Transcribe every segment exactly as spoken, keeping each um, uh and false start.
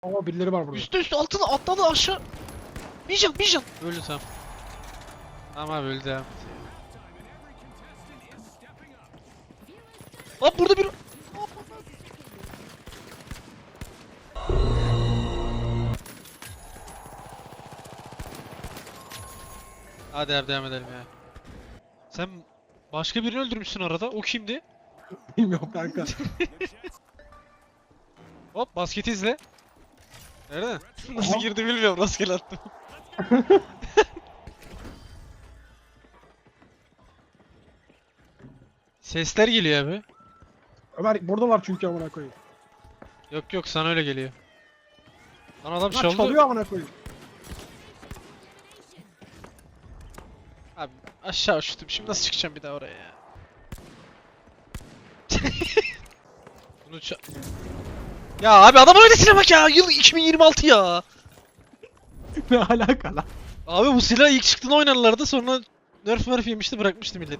Ama birileri var burada. Üstte üstte altına atladı aşağı. Bir can bir can. Öldü tamam. Tamam abi öldü ya. Lan burada bir... Hadi abi devam edelim ya. Sen başka birini öldürmüşsün arada. O kimdi? Bilmiyorum kanka. Hop basketi izle. Nerede? Nasıl girdi bilmiyorum. Rastgele attım. Sesler geliyor abi. Ömer buradalar çünkü amına koyayım. Yok yok sana öyle geliyor. Lan adam Lan çaldı. çalıyor amına koyayım. Abi aşağı uçtum. Şimdi nasıl çıkacağım bir daha oraya ya? Bunu ça... Ya abi adamın öylesine bak ya. Yıl iki bin yirmi altı ya. Ne alaka lan? Abi bu silah ilk çıktığında oynarlardı sonra nerf nerf yemişti bırakmıştı millet.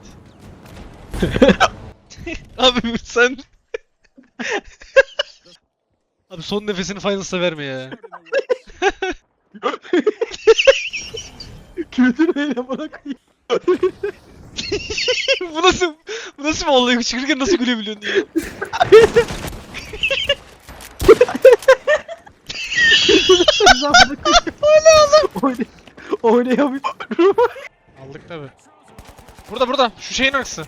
Abi sen... Abi son nefesini Finals'a verme ya. Kötü neyle amına koyayım. bu nasıl... Bu nasıl bir olay? Çıkırken nasıl gülebiliyorsun diye. Oynay Oynayamıyorum. Aldık tabi. Burada burada. Şu şeyin arkası.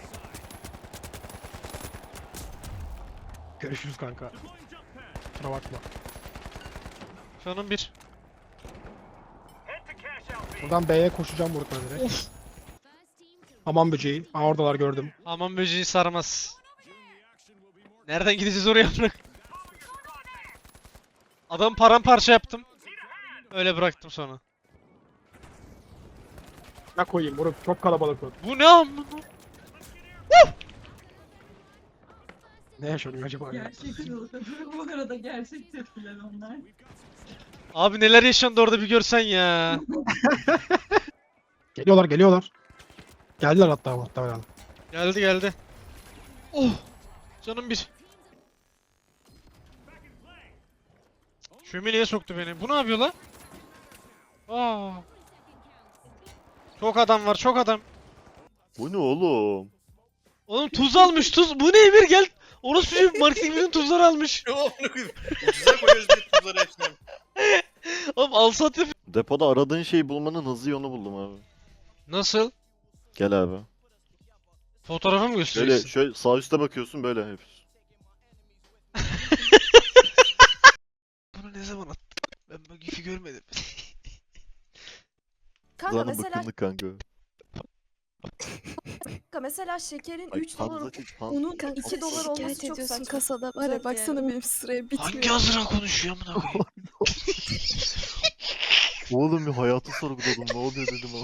Görüşürüz kanka. Kusura bakma. Şunun bir. Buradan B'ye koşacağım burada direkt. Of. Aman böceği. Aa oradalar gördüm. Aman böceği sarmaz. Nereden gideceğiz oraya bırak. Adam paramparça yaptım. Öyle bıraktım sonra. Ne koyayım bunu çok kalabalık oldu. Bu ne amına? Ne yaşanıyor acaba ya? Gerçek bu arada gerçek tepkiler onlar. Abi neler yaşandı orada bir görsen ya. Geliyorlar geliyorlar. Geldiler hatta muhtemelen. Geldi geldi. Oh. Canım bir. Şömineye soktu beni. Bu ne yapıyor lan? Aa. Çok adam var, çok adam. Bu ne oğlum? Oğlum tuz almış, tuz. Bu ne Emir gel. Orası bir marketing bütün tuzları almış. Ne oldu? Ucuza koyuyoruz bir tuzları hepsini. Oğlum al sat yap. Depoda aradığın şeyi bulmanın hızlı yolunu buldum abi. Nasıl? Gel abi. Fotoğrafı mı Şöyle gösteriyorsun? şöyle sağ üstte bakıyorsun böyle hep. Bunu ne zaman attın? Ben bu gifi görmedim. Kanka Zaten mesela, bakımlık kanka. kanka mesela şekerin Ay üç dolar, Hanza çek Hanza. unun iki dolar olması Şikayet çok ediyorsun saçma. kasada var Güzel ya baksana yani. benim sıraya bitmiyor. Hangi hazıra konuşuyor amına koyayım? Oğlum bir hayatı sorguladım ne oluyor dedim ama.